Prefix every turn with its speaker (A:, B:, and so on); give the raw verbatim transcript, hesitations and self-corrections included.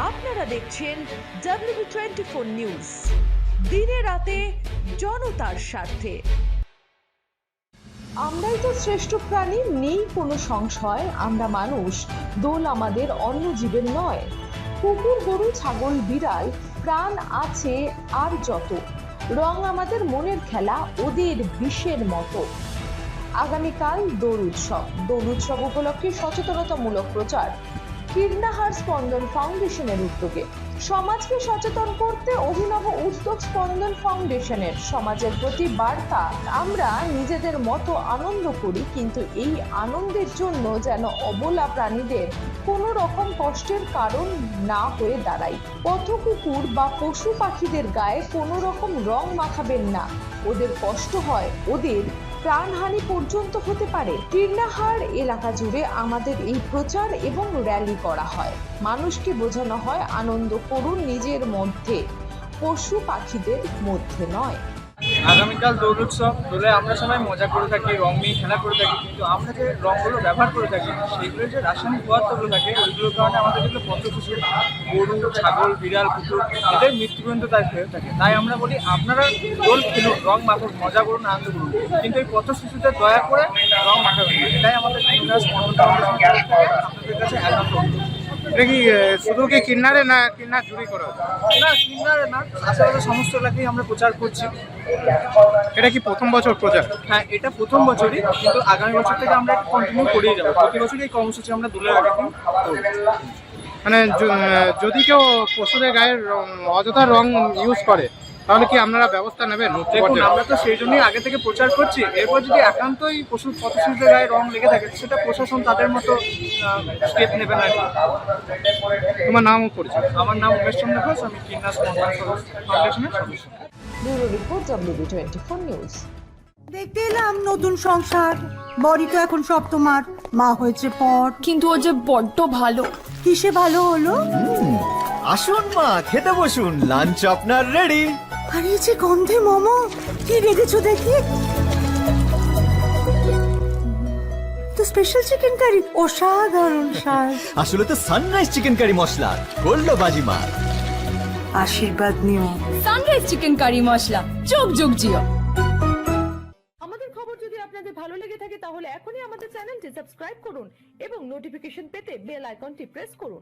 A: আপনারা দেখছেন W twenty four news, দিনে রাতে জনতার স্বার্থে। আমরাই তো শ্রেষ্ঠ প্রাণী, নেই কোনো সংশয়। আমরা মানুষ, দোল আমাদের অন্য জীবের নয়। কুকুর, গরু, ছাগল, বিড়াল, প্রাণ আছে আর যত, রং আমাদের মনের খেলা, ওদের বিষের মতো। আগামীকাল দোল উৎসব। দোল উৎসব উপলক্ষে সচেতনতামূলক প্রচার কীর্ণাহার স্পন্দন ফাউন্ডেশনের উদ্যোগে। সমাজকে সচেতন করতে অভিনব উদ্যোগ স্পন্দন ফাউন্ডেশনের। সমাজের প্রতি বার্তা, আমরা নিজেদের মতো আনন্দ করি, কিন্তু এই আনন্দের জন্য যেন অবলা প্রাণীদের কোনো রকম কষ্টের কারণ না হয়ে দাঁড়ায়। পথ কুকুর বা পশু পাখিদের গায়ে কোনো রকম রং মাখাবেন না, ওদের কষ্ট হয়, ওদের প্রাণহানি পর্যন্ত হতে পারে। কীর্ণাহার এলাকা জুড়ে আমাদের এই প্রচার এবং র্যালি করা হয়। মানুষকে বোঝানো হয় আনন্দ করুন নিজের মধ্যে, পশু পাখিদের মধ্যে নয়।
B: আগামীকাল দোল উৎসব। দোলে আমরা সবাই মজা করে থাকি, রং নিয়ে খেলা করে থাকি, কিন্তু আমরা যে রঙগুলো ব্যবহার করে থাকি সেইগুলো যে রাসায়নিক পদার্থগুলো থাকে ওইগুলোর কারণে আমাদের যেগুলো পশু পশু গরু, ছাগল, বিড়াল, কুকুর এদের মৃত্যু পর্যন্ত তাই হয়ে থাকে। তাই আমরা বলি আপনারা দোল খেলুন, রং মাখুন, মজা করুন, আনন্দ করুন, কিন্তু এই পথ শিশুদের দয়া করে রং মাখাবেন না। এটাই আমাদের আপনাদের কাছে অ্যালার্ম করবো।
C: এটা কি শুধু কি কিন্নারে না কিন্নার জুড়ি করা?
B: না, কিন্নারে না, আশেপাশে সমস্ত এলাকায় আমরা প্রচার করছি।
C: এটা কি প্রথম বছর প্রচার?
B: হ্যাঁ, এটা প্রথম বছরই, কিন্তু আগামী বছর থেকে আমরা এটা কন্টিনিউ করেই যাবো। প্রতি বছরই এই কর্মসূচি আমরা দোলের আগে দিন করব।
C: মানে য- যদি কেউ পশুদের গায়ের রং- অযথা রং ইউজ করে তাহলে কি আপনারা ব্যবস্থা নেবেন?
B: দেখুন, আমরা তো সেই জন্যই আগে থেকে প্রচার করছি। এরপর যদি একান্তই পশু পথশিশুদের গায়ে রং লেগে থাকে সেটা প্রশাসন তাদের মতো স্টেপ নেবে না।
C: তোমার নামও পরিচয়?
B: আমার নাম উমেশ চন্দ্র ঘোষ, আমি কিন্নাস ফাউন্ডেশনের সদস্য।
A: Bureau report W twenty four news.
D: দেখতে এলাম নতুন সংসার, বড়ি তো এখন সব তোমার, মা হয়েছে পর।
E: কিন্তু ও যে বড্ড ভালো।
D: কিসে ভালো হলো?
F: আসুন মা, খেতে বসুন, লাঞ্চ আপনার রেডি।
D: আর এই যে গন্ধে মোমো, কি রেখেছো দেখি তো স্পেশাল চিকেন কারি, অসাধারণ স্বাদ।
F: আসলে তো sunrise chicken curry masala, gold বাজিমা।
D: আশীর্বাদ নিও।
E: সানরাইজ চিকেন কারি মশলা, যোগ যোগ জিও।
A: আমাদের খবর যদি আপনাদের ভালো লেগে থাকে তাহলে এখনই আমাদের চ্যানেলটি সাবস্ক্রাইব করুন এবং নোটিফিকেশন পেতে বেল আইকনটি প্রেস করুন।